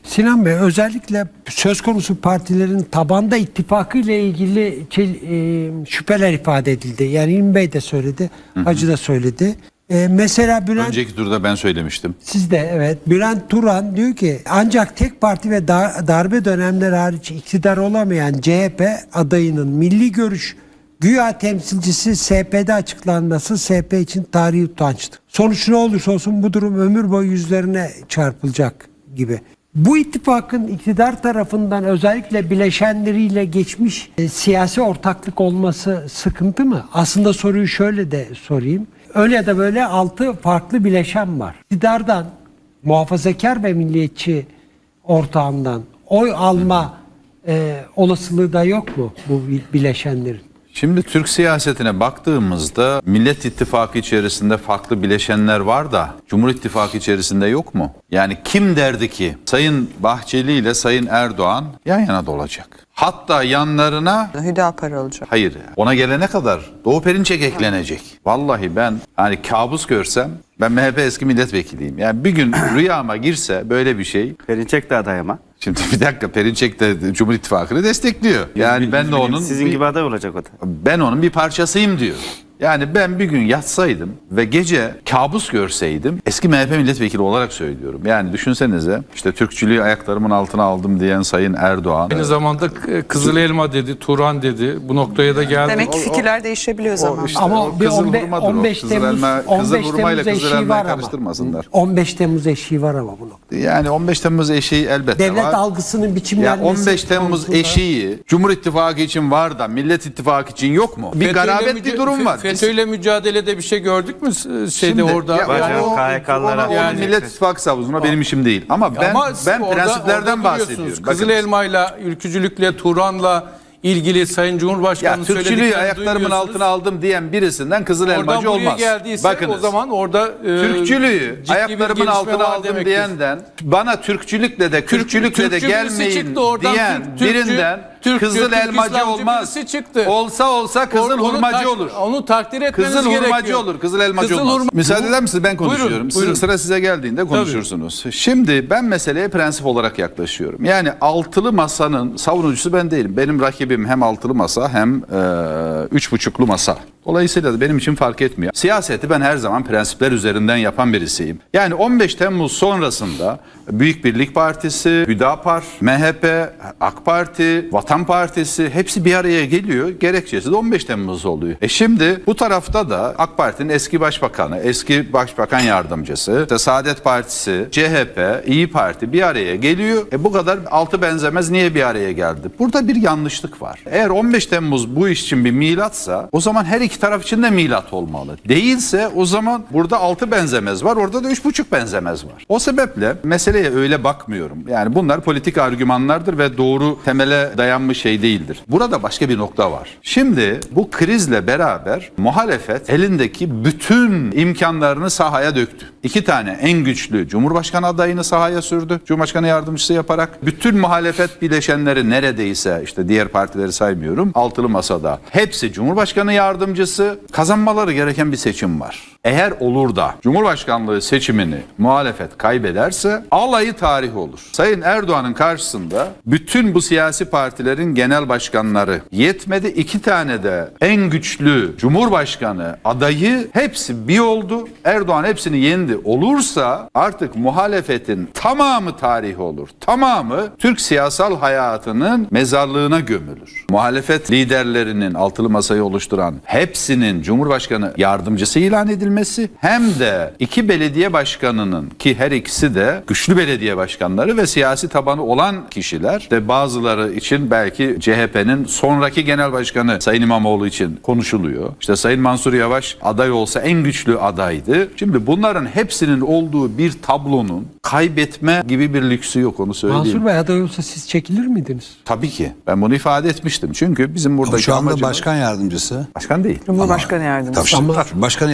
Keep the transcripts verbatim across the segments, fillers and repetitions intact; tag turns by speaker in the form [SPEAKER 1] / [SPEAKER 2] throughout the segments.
[SPEAKER 1] Sinan Bey, özellikle söz konusu partilerin tabanda ittifakı ile ilgili e, şüpheler ifade edildi. Yani İlmi Bey de söyledi, hı hı. Hacı da söyledi. E, mesela Bülent...
[SPEAKER 2] Önceki turda ben söylemiştim.
[SPEAKER 1] Siz de evet. Bülent Turan diyor ki ancak tek parti ve dar, darbe dönemleri hariç iktidar olamayan C H P adayının milli görüş güya temsilcisi S P'de açıklanması S P için tarihi utançtı. Sonuç ne olursa olsun bu durum ömür boyu yüzlerine çarpılacak gibi. Bu ittifakın iktidar tarafından özellikle bileşenleriyle geçmiş e, siyasi ortaklık olması sıkıntı mı? Aslında soruyu şöyle de sorayım. Öyle ya da böyle altı farklı bileşen var. İktidardan, muhafazakar ve milliyetçi ortağından oy alma e, olasılığı da yok mu bu bileşenlerin?
[SPEAKER 2] Şimdi Türk siyasetine baktığımızda Millet İttifakı içerisinde farklı bileşenler var da Cumhur İttifakı içerisinde yok mu? Yani kim derdi ki Sayın Bahçeli ile Sayın Erdoğan yan yana da olacak? Hatta yanlarına
[SPEAKER 3] Hüdapar olacak.
[SPEAKER 2] Hayır. Ona gelene kadar Doğu Perinçek eklenecek. Vallahi ben hani kabus görsem, ben M H P eski milletvekiliyim. Yani bir gün rüyama girse böyle bir şey.
[SPEAKER 4] Perinçek de aday ama.
[SPEAKER 2] Şimdi bir dakika, Perinçek de Cumhur İttifakı'nı destekliyor. Yani
[SPEAKER 4] Yüz,
[SPEAKER 2] ben
[SPEAKER 4] yüz
[SPEAKER 2] de onun
[SPEAKER 4] sizin
[SPEAKER 2] bir,
[SPEAKER 4] gibi aday olacak o da.
[SPEAKER 2] ben onun bir parçasıyım diyor. Yani ben bir gün yatsaydım ve gece kabus görseydim, eski M H P milletvekili olarak söylüyorum. Yani düşünsenize, işte Türkçülüğü ayaklarımın altına aldım diyen Sayın Erdoğan.
[SPEAKER 5] Aynı zamanda Kızıl Elma dedi, Turan dedi. Bu noktaya da geldi.
[SPEAKER 3] Demek ki fikirler değişebiliyor zaman.
[SPEAKER 2] işte
[SPEAKER 1] Ama
[SPEAKER 2] o
[SPEAKER 1] bir
[SPEAKER 2] kızıl
[SPEAKER 1] on beş,
[SPEAKER 2] hurmadır o.
[SPEAKER 1] on beş
[SPEAKER 2] Kızıl
[SPEAKER 1] Temmuz,
[SPEAKER 2] elma,
[SPEAKER 1] on
[SPEAKER 2] kızıl
[SPEAKER 1] beş
[SPEAKER 2] hurmayla
[SPEAKER 1] Temmuz
[SPEAKER 2] kızıl
[SPEAKER 1] eşiği
[SPEAKER 2] elmayı
[SPEAKER 1] var ama.
[SPEAKER 2] karıştırmasınlar.
[SPEAKER 1] on beş Temmuz eşiği var ama bu noktada.
[SPEAKER 2] Yani on beş Temmuz eşiği elbette
[SPEAKER 1] Devlet
[SPEAKER 2] var.
[SPEAKER 1] algısının
[SPEAKER 2] Ya
[SPEAKER 1] biçimlenmesi
[SPEAKER 2] on beş Temmuz
[SPEAKER 1] konusunda-
[SPEAKER 2] eşiği Cumhur İttifakı için var da Millet İttifakı için yok mu? Bir
[SPEAKER 5] FETÖ'yle
[SPEAKER 2] garabet
[SPEAKER 5] müca-
[SPEAKER 2] bir durum var.
[SPEAKER 5] FETÖ'yle mücadelede bir şey gördük mü şeyde
[SPEAKER 2] Şimdi,
[SPEAKER 5] orada?
[SPEAKER 2] ya
[SPEAKER 4] Bacan,
[SPEAKER 2] o-
[SPEAKER 4] K H K'lara
[SPEAKER 2] onu-
[SPEAKER 5] Yani-
[SPEAKER 2] onu Millet İttifakı savunma benim işim değil. Ama ben
[SPEAKER 5] Ama
[SPEAKER 2] ben
[SPEAKER 5] orada-
[SPEAKER 2] prensiplerden
[SPEAKER 5] orada
[SPEAKER 2] bahsediyorum.
[SPEAKER 5] biliyorsunuz,
[SPEAKER 2] Bakın.
[SPEAKER 5] Kızıl Elma'yla, ülkücülükle, Turan'la ilgili Sayın
[SPEAKER 2] Ya
[SPEAKER 5] Cumhurbaşkanı'nın
[SPEAKER 2] Türkçülüğü
[SPEAKER 5] söylediklerini
[SPEAKER 2] ayaklarımın
[SPEAKER 5] duyuyorsunuz.
[SPEAKER 2] altına aldım diyen birisinden Kızıl
[SPEAKER 5] Oradan
[SPEAKER 2] Elmacı
[SPEAKER 5] buraya
[SPEAKER 2] olmaz.
[SPEAKER 5] geldiyse
[SPEAKER 2] Bakınız.
[SPEAKER 5] o zaman orada e,
[SPEAKER 2] Türkçülüğü
[SPEAKER 5] ciddi bir
[SPEAKER 2] ayaklarımın
[SPEAKER 5] gelişme
[SPEAKER 2] altına
[SPEAKER 5] var
[SPEAKER 2] aldım
[SPEAKER 5] demektir.
[SPEAKER 2] diyenden, bana Türkçülükle de Kürtçülükle de
[SPEAKER 5] Türkçü birisi
[SPEAKER 2] gelmeyin
[SPEAKER 5] çıktı oradan,
[SPEAKER 2] diyen
[SPEAKER 5] Türk- Türkçü-
[SPEAKER 2] birinden
[SPEAKER 5] Türkçü,
[SPEAKER 2] Kızıl
[SPEAKER 5] Türk
[SPEAKER 2] Elmacı
[SPEAKER 5] İslamcı
[SPEAKER 2] olmaz.
[SPEAKER 5] birisi çıktı.
[SPEAKER 2] Olsa olsa Kızıl
[SPEAKER 5] Onu
[SPEAKER 2] Hurmacı
[SPEAKER 5] tak-
[SPEAKER 2] olur.
[SPEAKER 5] Onu takdir etmeniz
[SPEAKER 2] Kızıl
[SPEAKER 5] gerekiyor.
[SPEAKER 2] Hurmacı olur, Kızıl Elmacı
[SPEAKER 5] Kızıl
[SPEAKER 2] olmaz.
[SPEAKER 5] hurma-
[SPEAKER 2] Müsaade eder misiniz? Ben konuşuyorum.
[SPEAKER 5] Buyurun,
[SPEAKER 2] Sizin
[SPEAKER 5] buyurun.
[SPEAKER 2] sıra size geldiğinde konuşursunuz. Şimdi ben meseleye prensip olarak yaklaşıyorum. Yani altılı masanın savunucusu ben değilim. Benim rakibim hem altılı masa hem e, üç buçuklu masa. Dolayısıyla da benim için fark etmiyor. Siyaseti ben her zaman prensipler üzerinden yapan birisiyim. Yani on beş Temmuz sonrasında Büyük Birlik Partisi, Hüdapar, M H P, AK Parti, Vatan Partisi hepsi bir araya geliyor. Gerekçesi de on beş Temmuz oluyor. E şimdi bu tarafta da AK Parti'nin eski başbakanı, eski başbakan yardımcısı, işte Saadet Partisi, C H P, İyi Parti bir araya geliyor. E bu kadar altı benzemez, niye bir araya geldi? Burada bir yanlışlık var. Eğer on beş Temmuz bu iş için bir milatsa o zaman her iki taraf için de milat olmalı. Değilse o zaman burada altı benzemez var, orada da üç buçuk benzemez var. O sebeple meseleye öyle bakmıyorum. Yani bunlar politik argümanlardır ve doğru temele dayanmış şey değildir. Burada başka bir nokta var. Şimdi bu krizle beraber muhalefet elindeki bütün imkanlarını sahaya döktü. İki tane en güçlü Cumhurbaşkanı adayını sahaya sürdü. Cumhurbaşkanı yardımcısı yaparak bütün muhalefet bileşenleri neredeyse, işte diğer partileri saymıyorum, altılı masada hepsi Cumhurbaşkanı yardımcısı, kazanmaları gereken bir seçim var. Eğer olur da Cumhurbaşkanlığı seçimini muhalefet kaybederse alayı tarih olur. Sayın Erdoğan'ın karşısında bütün bu siyasi partilerin genel başkanları yetmedi, iki tane de en güçlü Cumhurbaşkanı adayı hepsi bir oldu. Erdoğan hepsini yendi. Olursa artık muhalefetin tamamı tarih olur. Tamamı Türk siyasal hayatının mezarlığına gömülür. Muhalefet liderlerinin altılı masayı oluşturan hepsinin Cumhurbaşkanı yardımcısı ilan edilmesi, hem de iki belediye başkanının, ki her ikisi de güçlü belediye başkanları ve siyasi tabanı olan kişiler, de bazıları için belki C H P'nin sonraki genel başkanı Sayın İmamoğlu için konuşuluyor. İşte Sayın Mansur Yavaş aday olsa en güçlü adaydı. Şimdi bunların hepsinin olduğu bir tablonun kaybetme gibi bir lüksü yok, onu söyleyeyim.
[SPEAKER 1] Mansur Bey aday olsa siz çekilir miydiniz?
[SPEAKER 2] Tabii ki. Ben bunu ifade etmiştim. Çünkü bizim buradaki
[SPEAKER 6] Şu anda
[SPEAKER 2] amacımız...
[SPEAKER 6] başkan yardımcısı.
[SPEAKER 2] Başkan değil.
[SPEAKER 3] Cumhurbaşkanı yardımcısı.
[SPEAKER 6] Tabii, tabii, başkan yardımcısı.
[SPEAKER 2] Ya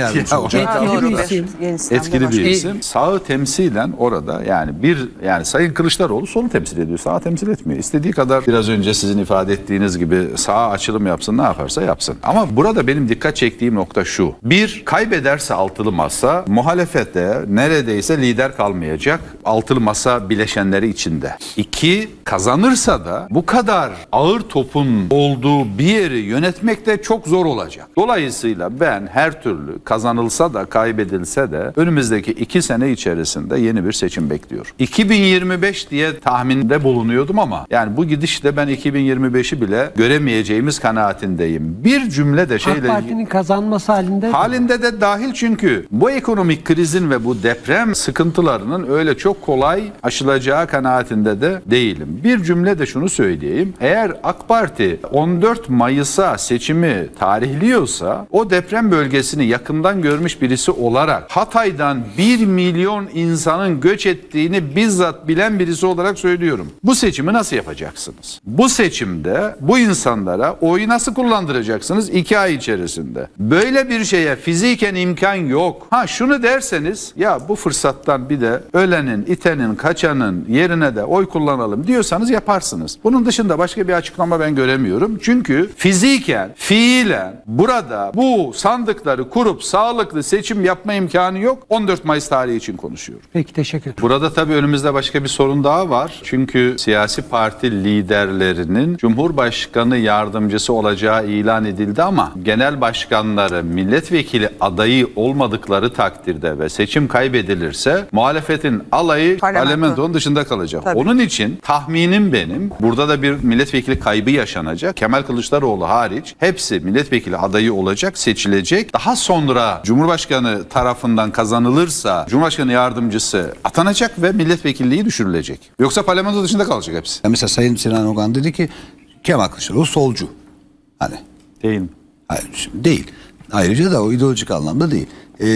[SPEAKER 2] O
[SPEAKER 1] Etkili
[SPEAKER 2] tarafta
[SPEAKER 1] bir
[SPEAKER 2] da
[SPEAKER 1] isim.
[SPEAKER 3] Yeni sistemde
[SPEAKER 2] Etkili bir
[SPEAKER 3] başka.
[SPEAKER 2] isim. Sağı temsilen orada yani bir yani Sayın Kılıçdaroğlu solu temsil ediyor. Sağı temsil etmiyor. İstediği kadar biraz önce sizin ifade ettiğiniz gibi sağa açılım yapsın, ne yaparsa yapsın. Ama burada benim dikkat çektiğim nokta şu. Bir, kaybederse altılı masa muhalefette neredeyse lider kalmayacak. Altılı masa bileşenleri içinde. İki, kazanırsa da bu kadar ağır topun olduğu bir yeri yönetmek de çok zor olacak. Dolayısıyla ben her türlü kazanılsa da kaybedilse de önümüzdeki iki sene içerisinde yeni bir seçim bekliyorum. iki bin yirmi beş diye tahminde bulunuyordum ama yani bu gidişle ben iki bin yirmi beşi bile göremeyeceğimiz kanaatindeyim. Bir cümle de
[SPEAKER 1] AK
[SPEAKER 2] şeyle
[SPEAKER 1] Parti'nin kazanması halinde
[SPEAKER 2] halinde de dahil, çünkü bu ekonomik krizin ve bu deprem sıkıntılarının öyle çok kolay aşılacağı kanaatinde de değilim. Bir cümle de şunu söyleyeyim. Eğer AK Parti on dört Mayıs'a seçimi tarihliyorsa o deprem bölgesini yakından görmüş birisi olarak Hatay'dan bir milyon insanın göç ettiğini bizzat bilen birisi olarak söylüyorum. Bu seçimi nasıl yapacaksınız? Bu seçimde bu insanlara oyu nasıl kullandıracaksınız? İki ay içerisinde. Böyle bir şeye fiziken imkan yok. Ha şunu derseniz ya bu fırsattan bir de ölenin, itenin, kaçanın yerine de oy kullanalım diyorsanız yaparsınız. Bunun dışında başka bir açıklama ben göremiyorum. Çünkü fiziken, fiilen burada bu sandıkları kurup sağlıklı seçim yapma imkanı yok. on dört Mayıs tarihi için konuşuyorum.
[SPEAKER 1] Peki, teşekkür ederim.
[SPEAKER 2] Burada tabii önümüzde başka bir sorun daha var. Çünkü siyasi parti liderlerinin Cumhurbaşkanı yardımcısı olacağı ilan edildi ama genel başkanları milletvekili adayı olmadıkları takdirde ve seçim kaybedilirse muhalefetin alayı
[SPEAKER 3] Parlamento.
[SPEAKER 2] parlamentonun dışında kalacak.
[SPEAKER 3] Tabii.
[SPEAKER 2] Onun için tahminim benim burada da bir milletvekili kaybı yaşanacak. Kemal Kılıçdaroğlu hariç hepsi milletvekili adayı olacak, seçilecek. Daha sonra Cumhurbaşkanı tarafından kazanılırsa Cumhurbaşkanı yardımcısı atanacak ve milletvekilliği düşürülecek. Yoksa parlamento dışında kalacak hepsi.
[SPEAKER 4] Ya mesela Sayın Sinan Ogan dedi ki Kemal Kılıçdaroğlu solcu. Hani
[SPEAKER 2] Değil mi?
[SPEAKER 4] hayır, şimdi değil. Ayrıca da o ideolojik anlamda değil.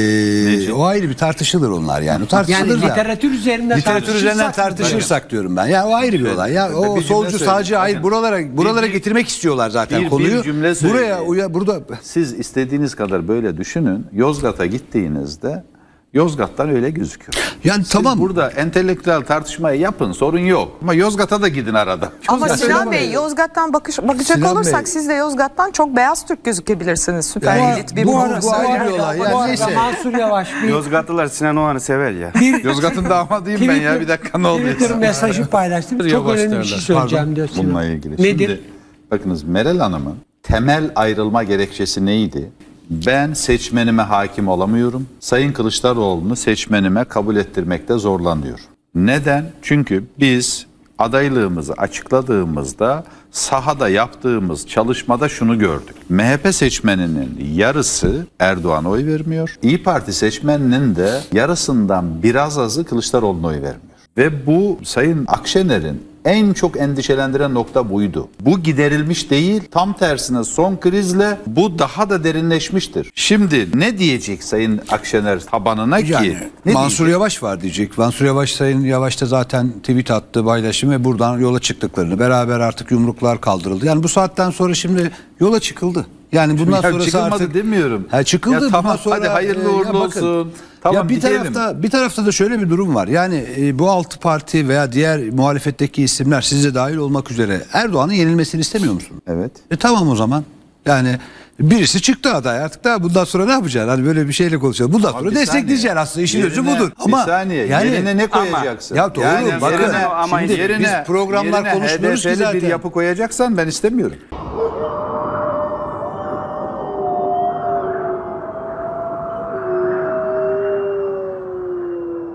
[SPEAKER 4] Ee, o ayrı bir tartışılır onlar yani. O tartışılır
[SPEAKER 1] Yani
[SPEAKER 4] da.
[SPEAKER 1] literatür üzerinden
[SPEAKER 4] Literatür üzerinden tartışırsak diyorum ben. Ya o ayrı bir olay. Ya o
[SPEAKER 2] bir cümle
[SPEAKER 4] solcu
[SPEAKER 2] söyleyeyim.
[SPEAKER 4] sağcı hayır
[SPEAKER 2] Bakın.
[SPEAKER 4] buralara buralara
[SPEAKER 2] Bir-
[SPEAKER 4] getirmek istiyorlar zaten
[SPEAKER 2] bir- bir
[SPEAKER 4] konuyu.
[SPEAKER 2] cümle
[SPEAKER 4] Buraya
[SPEAKER 2] söyleyeyim.
[SPEAKER 4] uya burada
[SPEAKER 2] Siz istediğiniz kadar böyle düşünün. Yozgat'a gittiğinizde Yozgat'tan öyle gözüküyor.
[SPEAKER 4] yani
[SPEAKER 2] Siz
[SPEAKER 4] tamam.
[SPEAKER 2] burada entelektüel tartışmayı yapın, sorun yok. Ama Yozgat'a da gidin arada.
[SPEAKER 3] Ama
[SPEAKER 4] Yozgat-
[SPEAKER 3] Sinan Bey, Yozgat'tan bakış, bakacak
[SPEAKER 4] Sinan
[SPEAKER 3] olursak
[SPEAKER 4] Bey-
[SPEAKER 3] siz de Yozgat'tan çok beyaz Türk gözükebilirsiniz. Süper
[SPEAKER 4] Ya,
[SPEAKER 3] elit bir
[SPEAKER 4] bu
[SPEAKER 3] bu,
[SPEAKER 4] ara- bu ayrı bir olay.
[SPEAKER 1] Bu
[SPEAKER 4] Yani
[SPEAKER 1] arada
[SPEAKER 4] neyse.
[SPEAKER 1] Mansur Yavaş bir
[SPEAKER 6] Yozgatlılar Sinan Oğan'ı sever ya.
[SPEAKER 2] Yozgat'ın damadıyım ben ya. Bir dakika ne oluyor?
[SPEAKER 1] Twitter mesajı paylaştım. Çok
[SPEAKER 5] Yavaş
[SPEAKER 1] önemli bir şey
[SPEAKER 5] derler.
[SPEAKER 1] söyleyeceğim diyor. Sinan.
[SPEAKER 2] Bununla ilgili.
[SPEAKER 1] Nedir?
[SPEAKER 2] Şimdi bakınız Meral Hanım'ın temel ayrılma gerekçesi neydi? Ben seçmenime hakim olamıyorum. Sayın Kılıçdaroğlu'nu seçmenime kabul ettirmekte zorlanıyor. Neden? Çünkü biz adaylığımızı açıkladığımızda sahada yaptığımız çalışmada şunu gördük. M H P seçmeninin yarısı Erdoğan'a oy vermiyor. İyi Parti seçmeninin de yarısından biraz azı Kılıçdaroğlu'na oy vermiyor. Ve bu Sayın Akşener'in en çok endişelendiren nokta buydu. Bu giderilmiş değil, tam tersine son krizle bu daha da derinleşmiştir. Şimdi ne diyecek Sayın Akşener tabanına ki?
[SPEAKER 4] Yani
[SPEAKER 2] Ne
[SPEAKER 4] Mansur
[SPEAKER 2] diyecek?
[SPEAKER 4] Yavaş var diyecek. Mansur Yavaş Sayın Yavaş da zaten tweet attı, paylaşım ve buradan yola çıktıklarını, beraber artık yumruklar kaldırıldı. Yani bu saatten sonra şimdi yola çıkıldı. Yani bundan
[SPEAKER 2] Ya
[SPEAKER 4] sonrası
[SPEAKER 2] çıkılmadı
[SPEAKER 4] artık
[SPEAKER 2] demiyorum.
[SPEAKER 4] Ha, çıkıldı.
[SPEAKER 2] Ya
[SPEAKER 4] bundan
[SPEAKER 2] tamam,
[SPEAKER 4] sonra,
[SPEAKER 2] hadi hayırlı
[SPEAKER 4] e, ya
[SPEAKER 2] uğurlu
[SPEAKER 4] bakın,
[SPEAKER 2] olsun. Tamam,
[SPEAKER 4] ya bir
[SPEAKER 2] gidelim.
[SPEAKER 4] tarafta bir tarafta da şöyle bir durum var. Yani e, bu altı parti veya diğer muhalefetteki isimler, siz de dahil olmak üzere, Erdoğan'ın yenilmesini istemiyor musunuz?
[SPEAKER 2] Evet.
[SPEAKER 4] E tamam o zaman. Yani birisi çıktı aday, artık daha bundan sonra ne yapacaksın? Hani böyle bir şeyle konuşalım. Bundan sonra
[SPEAKER 2] bir
[SPEAKER 4] destekleyeceksin
[SPEAKER 2] saniye.
[SPEAKER 4] aslında, işin özü
[SPEAKER 2] Yerine-
[SPEAKER 4] budur.
[SPEAKER 2] bir
[SPEAKER 4] Ama
[SPEAKER 2] saniye, yerine ne koyacaksın?
[SPEAKER 4] Ya doğru,
[SPEAKER 2] Yani
[SPEAKER 4] bakın,
[SPEAKER 2] yerine,
[SPEAKER 6] ama
[SPEAKER 4] şimdi
[SPEAKER 2] yerine,
[SPEAKER 4] biz programlar
[SPEAKER 2] yerine
[SPEAKER 4] konuşmuyoruz ki
[SPEAKER 2] H D P'li
[SPEAKER 4] zaten.
[SPEAKER 2] bir yapı koyacaksan ben istemiyorum.